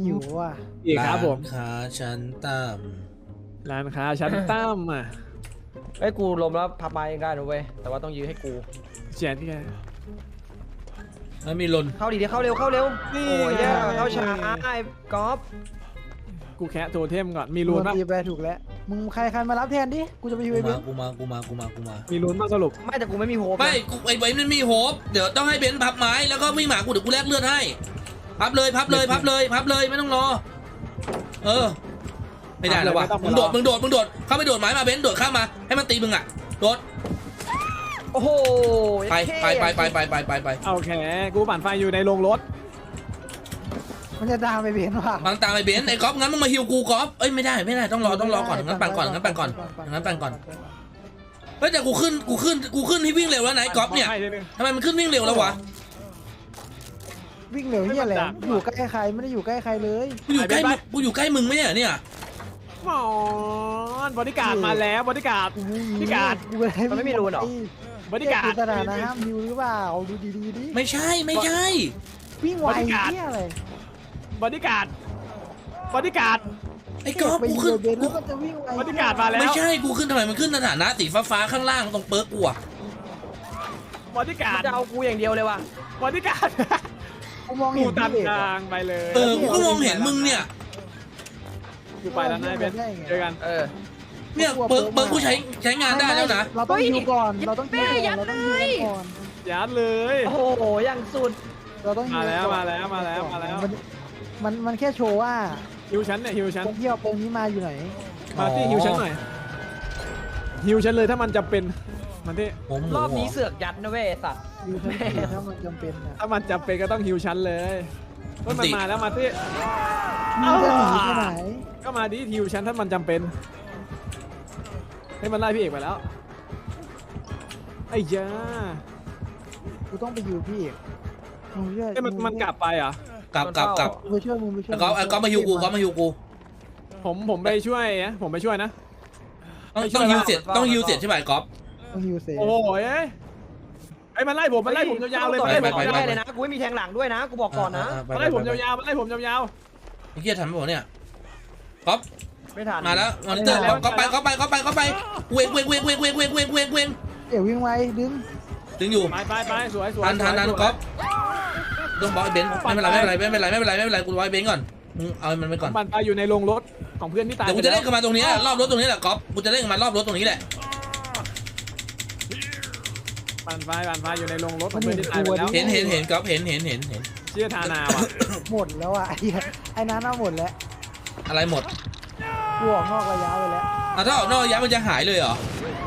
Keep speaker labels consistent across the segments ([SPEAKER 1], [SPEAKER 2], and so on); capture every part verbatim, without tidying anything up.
[SPEAKER 1] หิวว่ะ
[SPEAKER 2] อีกครับผม
[SPEAKER 3] ร้านค้าชั้นต่ำ
[SPEAKER 2] ร้านค้าชั้นตั้มอ่ะ
[SPEAKER 4] เอ้ยกูล้มแล้วพับไม้เองได้นะเว้ยแต่ว่าต้องยื้อให้กู
[SPEAKER 2] เฉียดที่ไง
[SPEAKER 3] แล้วมีลน
[SPEAKER 4] เข้าดีเดี๋ยวเข้าเร็วเข้าเร็ว
[SPEAKER 2] นี่
[SPEAKER 4] โอ้ยเนี่ยเข้าช้าไอ้ก๊อฟ
[SPEAKER 2] กูแคะโทเทมก่อนมีรูน
[SPEAKER 1] ปะ
[SPEAKER 2] ปะ
[SPEAKER 1] ตีไปถูกแล้วมึงใครใครมารับแทนดิกูจะไปฮิว
[SPEAKER 3] กู
[SPEAKER 1] ไอ้เบ
[SPEAKER 3] มาน กูมากูมากูมากูมา
[SPEAKER 2] มีรูนปะสรุป
[SPEAKER 4] ไม่แต่กูไม่มีโฮป
[SPEAKER 3] ไม่กูไอ้ไว้มันมีโฮปเดี๋ยวต้องให้เบนซ์พับไม้แล้วก็วิ่งหมากูเดี๋ยวกูแลกเลือดให้พับเลยพับเลยพับเลยพับเลยไม่ต้องรอเออไม่ได้แล้ววะมึงโดดมึงโดดมึงโดดเข้าไปโดดไม้มาเบนซ์โดดข้ามมาให้มันตีมึงอ่ะโดด
[SPEAKER 4] โอ้โห
[SPEAKER 3] ไปไปไปไปไปไปไปไป
[SPEAKER 2] โอเคกูปั่นไฟอยู่ในโรงรถ
[SPEAKER 1] มันจะตามไปเบนว่ะ
[SPEAKER 3] บางตามไอ้เบนซ์ไอ้ก๊อฟงั้นมึงมาฮิวกูก๊อฟเอ้ยไม่ได้ไม่ได้ต้องรอต้องรอก่อนงั้นปั่นก่อนงั้นปั่นก่อนงั้นปั่นก่อนเฮ้ยแต่กูขึ้นกูขึ้นกูขึ้นที่วิ่งเร็วแล้วไหนก๊อฟเนี่ย
[SPEAKER 2] ปั่ไฟทีนึง
[SPEAKER 3] ทำไมมันขึ้นวิ่งเร็วแล้ววะ
[SPEAKER 1] วิ่งเร็วเฮียอะไร
[SPEAKER 2] ไม่มันดัก
[SPEAKER 1] อยู่ใกล้ใครไม่ได้อยู่ใกล้ใครเลย
[SPEAKER 3] กูอยู่ใกล้มึงกูอยู่ใกล้มึงไหมเนี่ยเนี่ย
[SPEAKER 2] หมอนบริการดมาแล้วบริการด พี่การ์ด
[SPEAKER 1] กูไม่ได้
[SPEAKER 4] มันไม่มีรูนเหรอ
[SPEAKER 2] บริการ
[SPEAKER 1] คือ
[SPEAKER 2] ด
[SPEAKER 1] สถานะห้ามฮิวหรือเปล่าดูดีๆดิ
[SPEAKER 3] ไม่ใช่ไม่ใช่
[SPEAKER 1] วิ่งไว
[SPEAKER 2] บริการ์ด
[SPEAKER 1] เฮียอะไร
[SPEAKER 2] บริการดบริการด
[SPEAKER 3] ไอ้ก๊อฟ
[SPEAKER 1] ไป
[SPEAKER 3] กู
[SPEAKER 1] ฮิ
[SPEAKER 3] ขึ้น
[SPEAKER 1] วเบน
[SPEAKER 3] กู
[SPEAKER 1] แล้วมันจะวิ่งไว
[SPEAKER 2] บริการดมาแล้ว
[SPEAKER 3] ไม่ใช่กูขึ้นทำไมมันขึ้นสถานะสีฟ้าๆข้างล่างตรงเปิร์กกูอะ
[SPEAKER 2] บริการ
[SPEAKER 4] มัน
[SPEAKER 2] ด
[SPEAKER 4] จะเอากูอย่างเดียวเลยว่ะ
[SPEAKER 2] บริการด
[SPEAKER 1] กูมอง
[SPEAKER 2] กู
[SPEAKER 1] เห็น
[SPEAKER 2] ตัด
[SPEAKER 1] พี่เอก
[SPEAKER 2] ทา
[SPEAKER 1] อะ
[SPEAKER 2] งไปเลย
[SPEAKER 3] เออกูก็มองเห็นมึงเนี่ย
[SPEAKER 2] กูไปแล้วนายเบนเจอกัน
[SPEAKER 4] เออ
[SPEAKER 3] เนี่ยเปิร์กเปิร์กกูใช้ใช้งานได้แล้วนะ
[SPEAKER 1] เราต้องฮิวก่อนเราต้องฮิวก่อนเราต้องฮิวก่อน
[SPEAKER 2] ยัดเลย
[SPEAKER 4] โอ้โหอย่างสุด
[SPEAKER 1] เราต้องฮิ
[SPEAKER 2] มาแล้ว
[SPEAKER 1] ก่อน
[SPEAKER 2] มาแล้วมาแล้วมาแล้ว
[SPEAKER 1] นมันมันแค่โชว์ว่า
[SPEAKER 2] ฮิวชั้นเนี่ยฮิวชั้น
[SPEAKER 1] คนที่เอาเปิงนี้มาอยู่ไหน
[SPEAKER 2] มาที่ฮิวชั้นหน่อยฮิวชั้นเลยถ้ามันจำเป็นมันที่
[SPEAKER 3] ผมหมู
[SPEAKER 4] รอบนี้
[SPEAKER 3] เหรอ
[SPEAKER 4] เสือกยัดนะเว้ยไอ้สัตว์
[SPEAKER 1] อยู่ชั้นสี่ถ้ามันจำเป็นนะ
[SPEAKER 2] ถ้ามันจำเป็นก็ต้องฮิวชั้นเลยเฮ้ยมันมาแล้วมาที่
[SPEAKER 1] มึงจะหนีไปไหน
[SPEAKER 2] ก็มาที่ฮิวชั้นถ้ามันจำเป็นให้มันไล่พี่เอกไปแล้วไอ้ยา
[SPEAKER 1] กูต้องไปอยู่พี่เอกมึงช่วย
[SPEAKER 2] ไอ้ยมันมันกลับไปเหรอ่ะ
[SPEAKER 3] กลับกลับกลับ
[SPEAKER 1] มึงไปช่วยมึงไปช่วย
[SPEAKER 3] ไอ้ก๊อฟไอ้ก๊อฟมาฮิวกูก๊อฟมาฮิวกู
[SPEAKER 2] ผมผมไปช่วยนะผมไปช่วยนะ
[SPEAKER 3] ต้องต้องฮิวเสร็จต้องฮิวเสร็จใช่ไหมก๊อฟ
[SPEAKER 1] มึงฮิวเซ
[SPEAKER 2] โอ้ยเอ้ยไอ้ยมันไล่ผมมันไล่ผมยาวๆเลย
[SPEAKER 4] ต่
[SPEAKER 2] มัน
[SPEAKER 4] อ
[SPEAKER 2] ไล่
[SPEAKER 4] ไป
[SPEAKER 2] ผม
[SPEAKER 4] ไม่
[SPEAKER 2] ยาว
[SPEAKER 4] ได้เลยนะกูไม่มีแทงหลังด้วยนะกูบอกก่อนนะ
[SPEAKER 2] ๆมันไล่ผมยาวๆมันไล่ผมยาว
[SPEAKER 3] ไอ้เกียร์ทันไหมวะเนี่ยก๊อฟ
[SPEAKER 4] ไม่ทัน
[SPEAKER 3] มาแล้วมอนิเตอร์ก๊อฟไปก๊อฟไปก๊อฟไปก๊อฟไปเวงเวงเวงเวงเวงเวงเวงเวงเวง
[SPEAKER 1] เอ๋วิ่งไวดึง
[SPEAKER 3] ถึงอยู่
[SPEAKER 2] ๆไปไปไปสวยสวย
[SPEAKER 3] ทันทันทัน
[SPEAKER 2] สวย
[SPEAKER 3] ก๊อฟต้องบอกไอ้เบนซ์ไม่เป็นไรไม่เป็นไรไม่เป็นไรไม่เป็นไรไม่เป็นไรกูไว้เบนซ์ก่อนมึงเอามันไปก่อน
[SPEAKER 2] มันไปอยู่ในโรงรถของเพื่อนที่ตาย
[SPEAKER 3] เดี๋ยวกูจะเล่นกับมันตรงนี้รอบรถตรงนี้แหละก๊อฟกูจะเล่นกับมันรอบรถตรงนี้แหละ
[SPEAKER 2] ปั่นไฟปั่นไฟอยู่ในโรงรถของเพื่อนที่ตายไปแล้ว
[SPEAKER 3] เห็นเห็นเห็นก๊อฟเห็นเห็นเห็นเห็น
[SPEAKER 2] เชื่อทานาว่ะ
[SPEAKER 1] หมดแล้วอ่ะไอ้เหี้ยไอ้นั้นน่าหมดแล้ว
[SPEAKER 3] อะไรหมด
[SPEAKER 1] กูออกนอกระยะไปแล้ว
[SPEAKER 3] อ่ะถ้าออกนอกระยะมันจะหายเลยเหรอ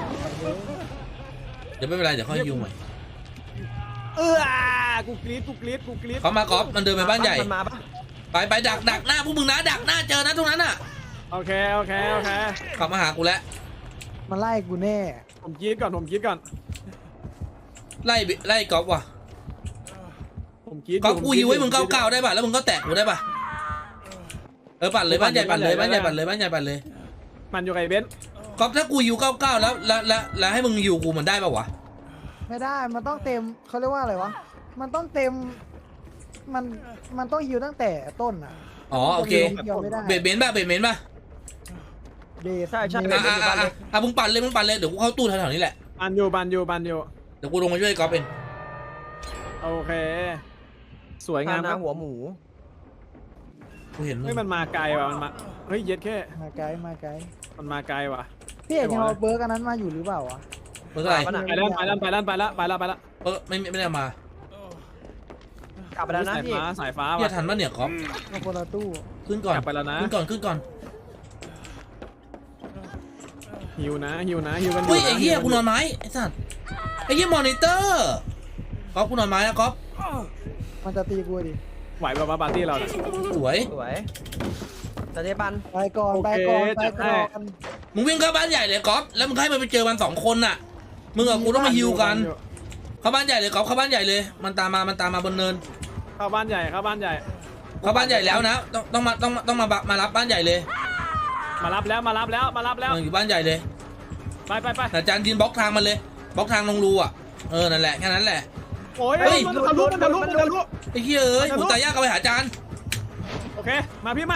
[SPEAKER 3] เดี๋ยวไม่เป็นไรเดี๋ยวค่อยฮิวใหม่
[SPEAKER 2] เออกูกรี๊ดกูกรี๊ดกูกรี๊ด
[SPEAKER 3] เขามาก๊อฟมันเดินไปบ้านใหญ่
[SPEAKER 4] มันมาปะ
[SPEAKER 3] ไปไปดักดักหน้าพวกมึงนะดักหน้าเจอนะตรงนั้นอ่ะ
[SPEAKER 2] โอเคโอเคโอเค
[SPEAKER 3] กลับมาหากูแล้ว
[SPEAKER 1] มันไล่กูแน่
[SPEAKER 2] ผมกรี๊ดก่อนผมกรี๊ดก่อน
[SPEAKER 3] ไล่ไล่ก๊อฟว่ะ
[SPEAKER 2] ผมกรี๊ด
[SPEAKER 3] ก๊อฟกูฮิวให้มึงเก้าเก้าได้ป่ะแล้วมึงก็แตะกูได้ป่ะเออปั่นเลยบ้านใหญ่ปั่นเลยบ้านใหญ่ปั่นเลยบ้านใหญ่ปั่นเลย
[SPEAKER 2] มันอยู่กับไอ้เบนซ์
[SPEAKER 3] ก๊อฟถ้ากูฮิวเก้าเก้าแล้วแล้วแล้วแล้วให้มึงฮิวกูมันได้ป่ะวะ
[SPEAKER 1] ไม่ได้มันต้องเต็มเขาเรียกว่าอะไรวะมันต้องเต็มมันมันต้องฮิวตั้งแต่ต้นอ่ะ
[SPEAKER 3] อ๋อโอเค
[SPEAKER 1] ฮิวไม่ได้
[SPEAKER 3] เบดเมนป่ะเบดเมนป่ะ
[SPEAKER 1] เบส
[SPEAKER 4] ใช่ใช่
[SPEAKER 3] อ่ะอ่ะอ่ะอ่ะอ่ะมึงปั่นเลยมึงปั่นเลยเดี๋ยวกูเข้าตู้แถวๆนี้แหละ
[SPEAKER 2] ปั่นอยู่ปั่นอยู่ปั่นอยู่
[SPEAKER 3] เดี๋ยวกูลงมาช่วยก๊อฟเอง
[SPEAKER 2] โอเค สวยาม
[SPEAKER 4] ทางนา
[SPEAKER 2] ครับ
[SPEAKER 4] หัวหมู
[SPEAKER 3] กูเห็นมึ
[SPEAKER 2] เฮ้ย
[SPEAKER 3] ง
[SPEAKER 2] มันมาไกลว่ะมันมาเฮ้ยเย็ดแค่
[SPEAKER 1] มาไกลมาไกล
[SPEAKER 2] มันมาไกลว่ะ
[SPEAKER 1] พี่เอกยังเอาเบิร์กอันนั้นมาอยู่หรือเปล่าวะ
[SPEAKER 3] เมื่อไหร่
[SPEAKER 4] ปะน่ะ
[SPEAKER 2] ไปแล้วไปแล้วไปแล้วไปแล้วไปแล้วไปแล้ว
[SPEAKER 3] เออไม่ไม่ไม่ได้เอามาก
[SPEAKER 4] ลับไปแล้วนะ
[SPEAKER 2] สาย
[SPEAKER 4] พี่
[SPEAKER 2] ฟ้าสายฟ้า
[SPEAKER 3] เฮีย
[SPEAKER 2] ว่ะ
[SPEAKER 3] ทันป่ะเนี่ยก๊อฟ
[SPEAKER 1] มาคนละตู้
[SPEAKER 3] ขึ้นก่อน
[SPEAKER 2] กลับไปแล้วนะ
[SPEAKER 3] ขึ้นก่อนขึ้นก่อน
[SPEAKER 2] หิวนะหิวนะหิวกัน
[SPEAKER 3] อุ้ย
[SPEAKER 2] นะ
[SPEAKER 3] ไอ้เหี้ยกูนอนไม้ไอ้สัสไอ้เหี้ยมอนิเตอร์ก๊อฟกูนอนไม้นะก๊อฟ
[SPEAKER 1] มันจะตีกูดิ
[SPEAKER 2] ไหวป่าวะปาร์ตี้เราเนี่ย
[SPEAKER 3] สวย
[SPEAKER 4] สวยแต่เจ๊ปัน
[SPEAKER 1] ไปก่อนไปก่อนไปก่อน
[SPEAKER 3] มึงวิ่งเข้าบ้านใหญ่เลยก๊อฟแล้วมึงให้มันไปเจอมันสองคนน่ะมึงกับกูต้องมาฮิวกันเข้าบ้านใหญ่เลยก๊อฟเข้าบ้านใหญ่เลยมันตามมามันตามมาบนเนิน
[SPEAKER 2] เข้าบ้านใหญ่เข้าบ้านใหญ่
[SPEAKER 3] เข้าบ้านใหญ่แล้วนะต้องต้องมาต้องต้องมามารับบ้านใหญ่เลย
[SPEAKER 2] มารับแล้วมารับแล้วมารับแล้ว
[SPEAKER 3] มึงอยู่บ้านใหญ่เลย
[SPEAKER 2] ไปไปไป
[SPEAKER 3] อาจารย์ดินบล็อกทางมันเลยบล็อกทางลงรูอ่ะเออนั่นแหละแค่นั้นแหละ
[SPEAKER 2] โอ้ย
[SPEAKER 3] เฮ้ย
[SPEAKER 2] มันทะลุมันทะลุมันทะลุ
[SPEAKER 3] ไอ้เหี้ยเอ้ยผมตายยากเอาไปหาอาจารย์
[SPEAKER 2] โอเคเคมาพี่มา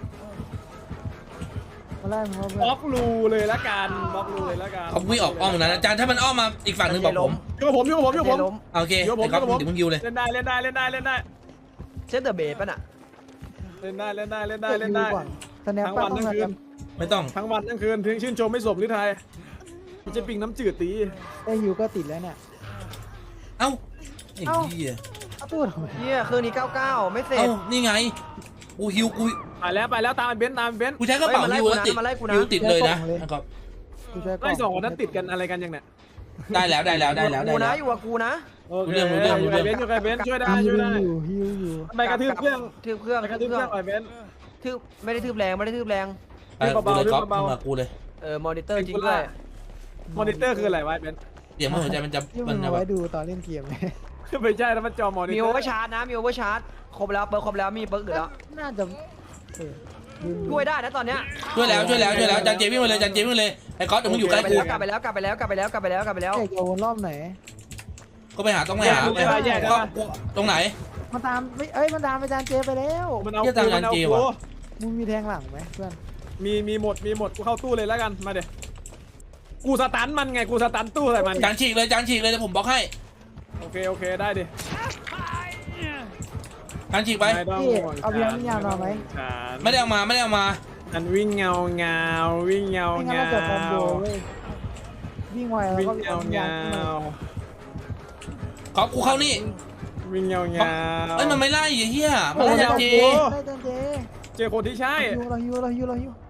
[SPEAKER 1] มาไล่มึงเอา
[SPEAKER 2] บล็อกรูเลยละกันบล็อกรูเลยละกัน
[SPEAKER 3] เขาวิ่งออกอ้อมตรงนั้นอาจารย์ถ้ามันอ้อมมาอีกฝั่งหนึ่งบอกผม
[SPEAKER 2] อยู่กับผมอยู่กับผมอยู่กับผม
[SPEAKER 4] ล้ม
[SPEAKER 3] โอเค
[SPEAKER 2] เดี๋ยวผม
[SPEAKER 3] ไอ้ก๊อฟ
[SPEAKER 2] เดี๋ยวผม
[SPEAKER 3] เดี๋ยวมึงยิวเลย
[SPEAKER 2] เล่นได้เล่นได้เล่นได้เล่นได้
[SPEAKER 4] เซตเดอะเบสป่ะน่ะ
[SPEAKER 2] เล่นได้เล่นได้เล่นได้
[SPEAKER 1] ได้
[SPEAKER 2] เล่นได้
[SPEAKER 1] สแนป
[SPEAKER 2] ทั้ง
[SPEAKER 1] ป้า
[SPEAKER 2] วัน
[SPEAKER 1] ต้อง
[SPEAKER 2] ทั้ง
[SPEAKER 1] มา
[SPEAKER 2] คื
[SPEAKER 1] กัน น
[SPEAKER 3] ไม่ต้อง
[SPEAKER 2] ทั้งวันทั้งคืนถึงชื่นชมไม่สมหรือไทยมันจะปิงน้ำจืดตี
[SPEAKER 1] ไอ้ฮิวก็ติดแล้วเนี่ย
[SPEAKER 3] เอ้าไอ้
[SPEAKER 1] เอ้า
[SPEAKER 3] เหี้ย
[SPEAKER 1] เอาตู้ทำไม
[SPEAKER 4] เฮียเครื่องนี้เก้าเก้าไม่เสร็
[SPEAKER 3] เอ้า
[SPEAKER 4] จ
[SPEAKER 3] นี่ไงกูฮิวกู
[SPEAKER 2] ไปแล้วไปแล้วตามเบนซ์ตามเบนซ์
[SPEAKER 3] กูใช้กระเป๋า
[SPEAKER 4] เฮ้ยมาไล่
[SPEAKER 3] ฮิวแล้วติด
[SPEAKER 4] กูนะมาไล่กูนะ
[SPEAKER 3] ฮิวติดเลยนะไอ้ก๊อฟ
[SPEAKER 1] กูใช้กล่
[SPEAKER 2] ไล่สองคนนั้นติดกันอะไรกันยังเนี่ย
[SPEAKER 3] ได้แล้วได้แล้วได้แล้วได้
[SPEAKER 4] กูนะ
[SPEAKER 3] แล้ว
[SPEAKER 4] อยู่กับกูนะ
[SPEAKER 2] โอเค
[SPEAKER 3] รู้เรื่องรู้เรื่องรู้
[SPEAKER 2] อยู่
[SPEAKER 3] เรื่
[SPEAKER 2] กั
[SPEAKER 3] อบ ง
[SPEAKER 2] เบนซ์อยู่กับเบนซ์ช่วยได้
[SPEAKER 1] ฮิ
[SPEAKER 2] ช่
[SPEAKER 1] ว
[SPEAKER 2] วยได้
[SPEAKER 1] อยู่ฮิวอยู่
[SPEAKER 2] ไปกระทืบเครื่อง
[SPEAKER 4] ทืบเครื่อง
[SPEAKER 2] ไปกระ
[SPEAKER 4] ทื
[SPEAKER 2] ทื
[SPEAKER 4] บบ เค
[SPEAKER 2] เค
[SPEAKER 4] รื่
[SPEAKER 2] รื่
[SPEAKER 4] อ
[SPEAKER 2] อง งหน่อยเบนซ์
[SPEAKER 4] ทืบไม่ได้ทืบแรงไม่ได้ทืบแรง
[SPEAKER 3] ไปกูเลยก๊อฟมึงมากูเลย
[SPEAKER 4] เออมอนิเตอร์จริงด้วย
[SPEAKER 2] มอนิเตอร์คืออะไรวะเบนซ์
[SPEAKER 3] เดี๋ยวมันหัวใจมันจะ
[SPEAKER 1] ที่
[SPEAKER 3] มั
[SPEAKER 1] มึ
[SPEAKER 3] น
[SPEAKER 1] ง
[SPEAKER 3] จะ
[SPEAKER 1] เอา
[SPEAKER 3] แบ
[SPEAKER 1] ไว้
[SPEAKER 3] บ
[SPEAKER 1] ดูตอนเล่นเกมไหม
[SPEAKER 2] ไม่ใช่แล้วมันจอมอนิเตอร์
[SPEAKER 4] มีโอเวอร์ชาร์จนะมีโอเวอร์ชาร์จครบแล้วเปิร์ครบแล้วมีเปิร์กอื่นแล้ว
[SPEAKER 1] น่าจะเออลืม
[SPEAKER 4] ช่วยได้นะตอนเนี้ย
[SPEAKER 3] ช่วยแล้วช่วยแล้วช่วยแล้วจันเจวิ่งมาเลยจันเจวิ่งมาเลยไอ้ก๊อฟเดี๋ยวมึงอยู่ใกล้กู
[SPEAKER 4] กลับไปแล้วกลับไปแล้วกลับไปแล้วกลับไปแล้วกลับไปแล้ว
[SPEAKER 1] เอกจะวนรอบไหน
[SPEAKER 3] ก็ไปหาต้องไปหาไปหาก็ตรงไหน
[SPEAKER 1] มาตามไม่เอ้ยมันตามไปจานเจไปแล้ว
[SPEAKER 2] มันเอา
[SPEAKER 3] เหี้ยตาม
[SPEAKER 2] กูมันเอา
[SPEAKER 3] จานเจ
[SPEAKER 2] กู
[SPEAKER 3] ว่ะ
[SPEAKER 1] มึงมีแทงหลังไหมเพื่อน
[SPEAKER 2] มีมีหมดมีหมดกูเข้าตู้เลยแล้วกันมาเดี๋ยวกูสตันมันไงกูสตันตู้ใส่มัน
[SPEAKER 3] จานฉีกเลยจานฉีกเลยเดี๋ยวผมบล็อกให้
[SPEAKER 2] โอเคโอเคได้ดิ
[SPEAKER 3] จานฉีกไป
[SPEAKER 2] ไม่ต้อง
[SPEAKER 1] พี่
[SPEAKER 2] ห่วง
[SPEAKER 1] เอาเพียงนิยามมาไหม
[SPEAKER 2] ฉัน
[SPEAKER 3] ไม่ได้เอามาไม่ได้เอามา
[SPEAKER 2] อันวิ่งเงาเงาวิ่งเงา
[SPEAKER 1] ไม่งั้น
[SPEAKER 2] เงา
[SPEAKER 1] เราจะคอมโบเว้ยวิ่งไวแล้ว
[SPEAKER 2] วิ่ง
[SPEAKER 1] ก็
[SPEAKER 2] เงาเงา
[SPEAKER 3] ก๊อฟกูเข้านี่
[SPEAKER 2] วิ่งเงาเงา
[SPEAKER 3] เอ้ยมันไม่ไล่ไอ้เหี้ยมันไล่จานเจ
[SPEAKER 1] ได้จานเจ
[SPEAKER 2] เจอคนที่ใช่
[SPEAKER 1] ฮิวเราฮิวเราฮิวเราฮิว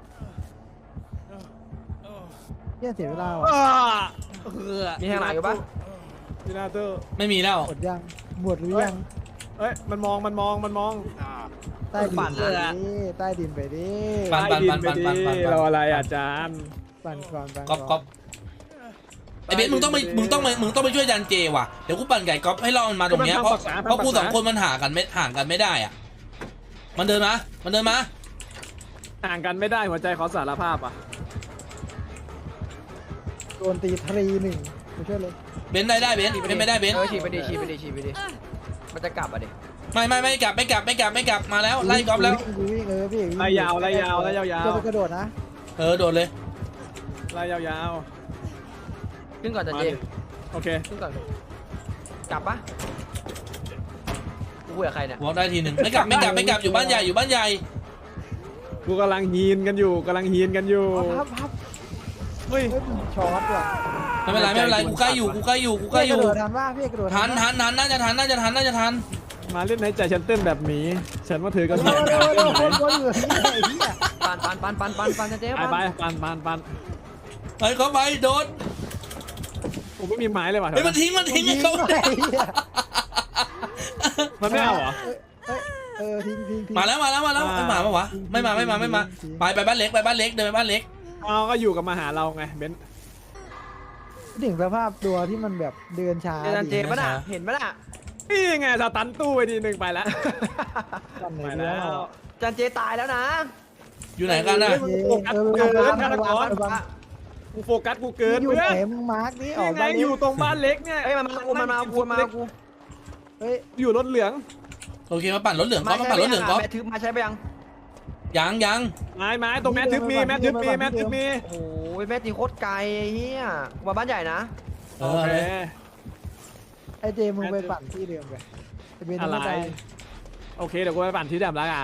[SPEAKER 1] เฮียเสียเวลาว่ะ
[SPEAKER 2] อ้า
[SPEAKER 4] มีแทงหลังอยู่ปะ
[SPEAKER 2] ดินาเตอร์
[SPEAKER 3] ไม่มีแล้ว
[SPEAKER 1] หมดยังหมดหรือยัง
[SPEAKER 2] เอ้ยมันมองมันมองมันมอง
[SPEAKER 1] ใต้ดินไปดิใต้ดินไปดิ
[SPEAKER 3] ปั่นปั่นปั่นปั่นปั่นปั่น
[SPEAKER 2] เราอะไรอาจารย์
[SPEAKER 1] ปั่นก่อนปั่น
[SPEAKER 3] ก๊อฟก๊อฟไอ้เบนซ์มึงต้องไปมึงต้องไปมึงต้องไปช่วยจานเจว่ะเดี๋ยวกูปั่นไก่ก๊อฟให้รอมันมาตรงเนี้ยเพราะเพราะกูสองคนมันห่างกันไม่ห่างกันไม่ได้อ่ะมันเดินมามันเดินมา
[SPEAKER 2] ห่างกันไม่ได้หัวใจขอสารภาพอ่ะ
[SPEAKER 1] โดนตีทรีหนึ่งมาช่วยเลย
[SPEAKER 3] เบนซ์ได้ได้เบนซ์เบนซ์ไม่ได้เบนซ์
[SPEAKER 4] เออฉีกไปดิฉีกไปดิฉีกไปดิมันจะกลับอ่ะดิ
[SPEAKER 3] ไม่ไม่ไม่กลับไม่กลับไม่กลับไม่กลับมาแล้วไล่ก๊อฟแล้ว
[SPEAKER 1] วิ่งวิ่งเออพี่วิ่ง
[SPEAKER 2] ไล่ยาวไล่ยาวไล่ยาว
[SPEAKER 1] จะไปกระโดดนะ
[SPEAKER 3] เออโดดเลย
[SPEAKER 2] ไล่ยาว
[SPEAKER 4] ขึ้นก่อน
[SPEAKER 2] ๆ
[SPEAKER 4] จัน
[SPEAKER 2] มา
[SPEAKER 4] เจ
[SPEAKER 2] ดิโอเค
[SPEAKER 4] ขึ้นก่อนกลับปะกูคุยกับใครเนี่ย
[SPEAKER 3] วอล์กได้ทีหนึ่งไม่กลับไม่กลับไม่กลับอยู่บ้านใหญ่อยู่บ้านใหญ่
[SPEAKER 2] กูกำลังฮีนกันอยู่กำลังฮีนกันอยู่
[SPEAKER 1] พับพับ
[SPEAKER 2] เฮ้ย
[SPEAKER 1] เฮ้ยช็อตว่ะ
[SPEAKER 3] ไม่เป็นไรไม่เป็นไรกูใกล้อยู่กูใกล้อยู่กูใกล้อยู่
[SPEAKER 1] พี่กระโดดทันว่าพี่กระโดด
[SPEAKER 3] ทันทันทันน่าจะทันน่าจะทันน่าจะทัน
[SPEAKER 2] มาเล่นในใจฉันเต้นแบบหมีฉันว่าเธอก็
[SPEAKER 1] โอ้
[SPEAKER 2] มี
[SPEAKER 1] โหโอ้โหคนคนอยู่ที่ไหนเฮีย
[SPEAKER 4] ปันปันปันปันปันปันจันเจ
[SPEAKER 2] ไป
[SPEAKER 4] ปัน
[SPEAKER 2] ไปปันปันปัน
[SPEAKER 3] ไปเขาไปโดด
[SPEAKER 2] ผมไม่มีไม้เลยว่ะ
[SPEAKER 3] เฮ้ยมันทิ้งมันทิ้ง
[SPEAKER 1] ยิ
[SPEAKER 3] ให้
[SPEAKER 1] ง
[SPEAKER 3] เขา
[SPEAKER 1] ไปเฮีย
[SPEAKER 2] มันไม่เอาเหรอ
[SPEAKER 1] เอ้ยเออทิ้งทิ้งทิ้ง
[SPEAKER 3] มาแล้วมาแล้วมาแล้วไม่มาปะวะไม่มาไม่มาไม่มาไปไปบ้านเล็กไปบ้านเล็กเดินไปบ้านเล็ก
[SPEAKER 2] เอาก็อยู่กับมาหาเราไงเบนซ์
[SPEAKER 1] ถึงสภาพตัวที่มันแบบเดินช้า
[SPEAKER 4] เจอจันเจปะน่ะเห็นปะน่ะ
[SPEAKER 2] นี่ไงสตันตู้ไปทีหนึ่งไปแล้ว
[SPEAKER 1] ปั่นไหน
[SPEAKER 2] ไป
[SPEAKER 1] แล้
[SPEAKER 2] แล้ว ว
[SPEAKER 4] จันเจตายแล้วนะ
[SPEAKER 3] อยู่ไหนกันน่ะ
[SPEAKER 1] เออ
[SPEAKER 2] เกิน
[SPEAKER 1] เออ
[SPEAKER 2] ฆาตกร กูโฟกัสกูเกิน
[SPEAKER 1] อยู่
[SPEAKER 2] เพื่อ
[SPEAKER 1] ไหน
[SPEAKER 2] น
[SPEAKER 1] มึงมาร์กนี่ออ
[SPEAKER 2] นี่
[SPEAKER 1] ก
[SPEAKER 2] ไง
[SPEAKER 1] มา
[SPEAKER 2] อยู่ตรงบ้านเล็กเนี่ย
[SPEAKER 4] เอ้ยมันมากูมันมากูมันมากู
[SPEAKER 1] เฮ้ย
[SPEAKER 2] อยู่รถเหลือง
[SPEAKER 3] โอเคมาปั่นรถเหลืองก๊อฟมา
[SPEAKER 4] ใช้
[SPEAKER 3] ปั่นรถเหลืองก๊อฟ
[SPEAKER 4] แม่ทึบมาใช้ไปยัง
[SPEAKER 3] ยังยัง
[SPEAKER 2] ไม้ไม้ตรงแมททึบมีแมททึบมีแมททึบมี
[SPEAKER 4] โอ้ยแม่ตีโคตรไกลไอ้เฮียกูมาบ้านใหญ่นะ
[SPEAKER 3] เอ
[SPEAKER 2] โอ
[SPEAKER 3] อ
[SPEAKER 2] เค
[SPEAKER 3] เลย
[SPEAKER 1] ไอเจมึงไปปั่นที่เดิมไปไอเบน
[SPEAKER 2] อะไร
[SPEAKER 1] ไม่ตาย
[SPEAKER 2] โอเคเดี๋ยวกูไปปั่นที่เดิมแล้วกัน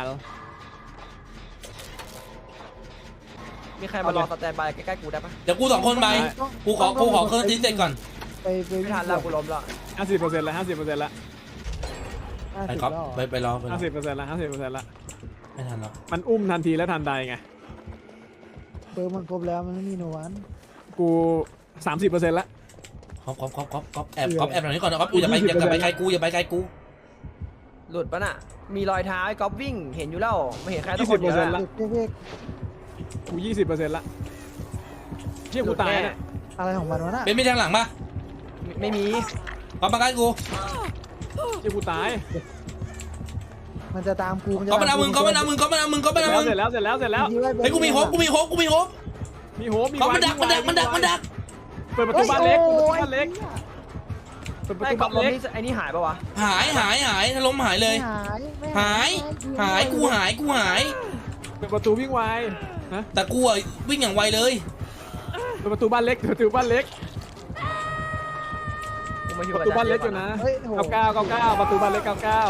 [SPEAKER 4] มีใครมารอสแตนบายใกล้ๆกูได้ปะ
[SPEAKER 3] เดี๋ยวกูสองคนไปกูขอกูขอเครื่องทิ้งเสร็จก่อน
[SPEAKER 1] ไปไป
[SPEAKER 4] ไม่ทันแล้วกูล้มแล้ว
[SPEAKER 2] ห้าสิบเปอร์เซ็นต์ละห้าสิบเปอร์เซ็นต์ละ
[SPEAKER 1] ห้า
[SPEAKER 3] ไป
[SPEAKER 1] สิบ
[SPEAKER 3] ก๊อฟ
[SPEAKER 1] แล้ว
[SPEAKER 3] ไปไปรอไปรอ
[SPEAKER 2] ห้าสิบเปอร์เซ็นต์ละห้าสิบเปอร์เซ็นต์ละ
[SPEAKER 3] ไม่ทันหรอก
[SPEAKER 2] มันอุ้มทันทีและทันใดไง
[SPEAKER 1] เปิดมันครบแล้วมันไม่มีโนวัน
[SPEAKER 2] กูสามสิบเปอร์เซ็นต์ละ
[SPEAKER 3] ก๊อฟก๊อฟก๊อฟก๊อฟก๊อฟแอบก๊อฟแอบหน่อยนี้ก่อนนะก๊อฟกูอย่าไปอย่าไปไกลกูอย่าไปไกลกู
[SPEAKER 4] หลุดปะน่ะมีรอยเท้าไอ้ก๊อฟวิ่งเห็นอยู่แล้วไม่เห็นใครต้อง
[SPEAKER 2] ยี่
[SPEAKER 4] ค
[SPEAKER 2] สิ
[SPEAKER 4] น
[SPEAKER 2] บ
[SPEAKER 4] เดี
[SPEAKER 2] เปอ
[SPEAKER 4] ยว
[SPEAKER 2] ร์เซ็นต์ละ
[SPEAKER 1] เด็กเด็ก
[SPEAKER 2] กูยี่สิบเปอร์เซ็นต์ละเชี่ยกูตายเนี่ย
[SPEAKER 1] อะไรของมันวะน่ะ
[SPEAKER 3] เป็นมีทางหลังปะ
[SPEAKER 4] ไม่มี
[SPEAKER 3] ก๊อฟมาใกล้กู
[SPEAKER 2] เชี่ยกูตาย
[SPEAKER 1] มันจะตามกู
[SPEAKER 3] ก๊อฟมันเอามึงก๊อฟมันเอามึงก๊อฟมันเอามึงก๊อฟมันเอามึง
[SPEAKER 2] เสร็จแล้วเสร็จแล้วเสร็จแล้ว
[SPEAKER 3] เฮ้ยกูมีโฮปกูมีโฮปกูมีโฮป
[SPEAKER 2] มีโหมี
[SPEAKER 3] ก๊อฟมันดักมันดักมันดักมันดัก
[SPEAKER 2] เปิดประตูบ้านเล็กเปิดประตูบ้านเล็กเปิดประ
[SPEAKER 4] ไอ้
[SPEAKER 2] ตู
[SPEAKER 4] ก๊อ
[SPEAKER 2] บ้า
[SPEAKER 4] ฟ
[SPEAKER 2] น
[SPEAKER 4] รถ
[SPEAKER 2] เล็ก
[SPEAKER 4] นี่ไอ้นี่หายปะวะ
[SPEAKER 3] หายหายหายถ้าล้มหายเลย
[SPEAKER 1] ไม่หายไม่
[SPEAKER 3] หายหายกูหายกูหาย
[SPEAKER 2] เปิดประตูวิ่งไวนะ
[SPEAKER 3] แต่กูอะวิ่งอย่างไวเลย
[SPEAKER 2] เปิดประตูบ้านเล็กเปิดประตูบ้านเล็ก
[SPEAKER 4] กูมาอยู่
[SPEAKER 2] ประ
[SPEAKER 4] กับ
[SPEAKER 2] ตูบ้านเล็กอยู่นะ
[SPEAKER 1] เฮ้ยโห
[SPEAKER 2] เก้าเก้าเก้าเก้าประตูบ้านเล็กเก้าเก้า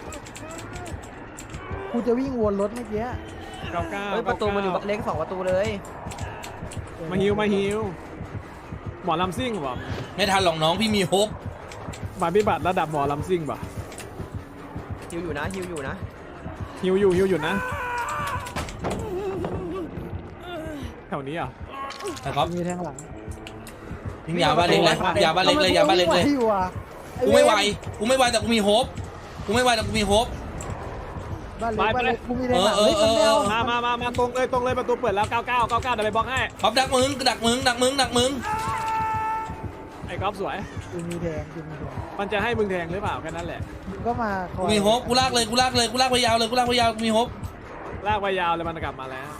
[SPEAKER 1] กูจะวิ่งวนรถเมื่อกี้
[SPEAKER 2] เก้าเก้า
[SPEAKER 4] เฮ้ยประตูมันอยู่บ้านเล็กสองประตูเลย
[SPEAKER 2] มาฮิวมาฮิวหมอลำซิ่งป่ะ
[SPEAKER 3] ไม่ทันหรอกน้องพี่มีโฮป
[SPEAKER 2] มาพิบัติระดับหมอลำซิ่งป่ะ
[SPEAKER 4] ฮิวอยู่นะฮิวอยู่นะ
[SPEAKER 2] ฮิวอยู่ฮิวอยู่นะแถวนี้อ่ะ
[SPEAKER 3] นะครับ
[SPEAKER 1] มีแทงหลัง
[SPEAKER 3] ทิ้งยาบ้านเล็กเลยยาบ้านเล็กเลยยาบ้านเล็กเลย
[SPEAKER 1] ทำไมกูวิ่งไววะ
[SPEAKER 3] กูไม่ไหวกูไม่ไหวแต่กูมีโฮปกูไม่ไหวแต่กูมีโฮป
[SPEAKER 1] บ้านเล็กบ้านเล็กกูมีแทงหลัง
[SPEAKER 3] เออเออเออ
[SPEAKER 1] ฮ้ยมันไม่า
[SPEAKER 2] มามามามาตรงเลยตรงเลยประตูเปิดแล้วเก้าเก้าเก้าเก้าเดี๋ยวไปบล็อกให้
[SPEAKER 3] ก๊อฟดักมึงดักมึงดักมึงดักมึง
[SPEAKER 2] ไอ้ก๊อฟสวย
[SPEAKER 1] กูมีแทงกูมีแทง
[SPEAKER 2] มันจะให้มึงแทงหรือเปล่าแค่นั้นแหละ
[SPEAKER 1] มึงก็มาคอ
[SPEAKER 3] กู
[SPEAKER 1] ย
[SPEAKER 3] มีโฮปกูลากเลยกูลากเลยกูลากไปยาวเลยกูลากไปยาวกูมีโฮป
[SPEAKER 2] ลากไปยาวเลยมันกลับมาแล้ว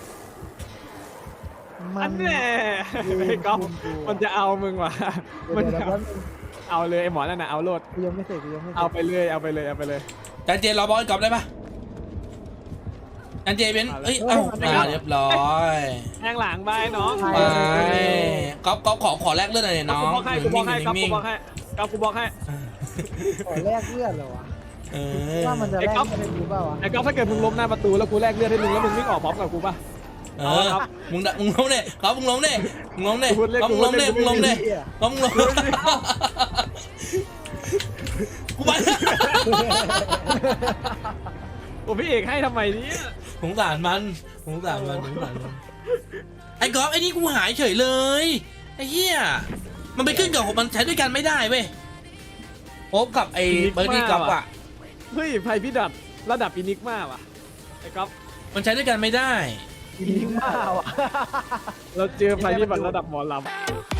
[SPEAKER 1] มั
[SPEAKER 2] อั
[SPEAKER 1] น
[SPEAKER 2] นแน่ไอ้ก๊อฟมันจะเอามึงว่ะ
[SPEAKER 1] มั
[SPEAKER 2] มัน น
[SPEAKER 1] จะ
[SPEAKER 2] จะเอาเลยไอ้หมอนั่นน่ะเอาโลด
[SPEAKER 1] กูยังไม่เสร็จกูยังไม่เสร็จ
[SPEAKER 2] เอาไปเลยเอาไปเลยเอาไปเลย
[SPEAKER 3] จานเจนรอบอลกอล์ฟได้ปะจานเจเป็นเอ้ยเอ้าอ่าเรียบร้อย
[SPEAKER 2] แทงหลังไปน้อง
[SPEAKER 3] ไปก๊อฟก๊อฟขอขอแลกเลือดหน่อยดิน้อง
[SPEAKER 2] กูบล็อกให้กูบล็อกให้ก๊อฟกูบล็อกให้ก๊อฟกูบล็อกให้
[SPEAKER 1] ขอแลกเลือดเหรอวะ
[SPEAKER 3] เออ
[SPEAKER 1] ว่ามันจะ
[SPEAKER 2] ไอ้
[SPEAKER 1] แลก
[SPEAKER 2] ก๊อฟ
[SPEAKER 1] เลือดรู้เปล่าวะ
[SPEAKER 2] ไอ้ก๊อฟถ้าเกิดมึงล้มหน้าประตูแล้วกูแลกเลือดให้มึงแล้วมึงวิ่งออกพร้อมกับกูป่ะ
[SPEAKER 3] เออมึงมึงล้มเนี่ยก๊อฟมึงล้มเนี่ยมึงล้มเนี่ย
[SPEAKER 2] กูพูดเล่น
[SPEAKER 3] ก๊อฟมึงล้มเนี่ย
[SPEAKER 2] กู
[SPEAKER 3] มึง
[SPEAKER 2] พูดเล่
[SPEAKER 3] ล้ม
[SPEAKER 2] น
[SPEAKER 3] เนี่ยก๊อฟมึงล้มกูไป
[SPEAKER 2] โอ้พี่เอกให้ทำไมเนี่ย
[SPEAKER 3] สงสารมันสงสารมันสงสารมันไอ้ก๊อฟไอ้นี่กูหายเฉยเลยไอ้เหี้ยมันไปขึ้นกับมันใช้ด้วยกันไม่ได้เว้ยโอ๊บกับไอ้เบอร์ดี้ก๊อฟอะ
[SPEAKER 2] เฮ้ยไพ่พิดัดระดับอินิกมาว่ะไอ้ก๊อฟ
[SPEAKER 3] มันใช้ด้วยกันไม่ได้
[SPEAKER 1] ยิงมากว่ะ
[SPEAKER 2] เราเจอไพ่พิบัติระดับหมอลำ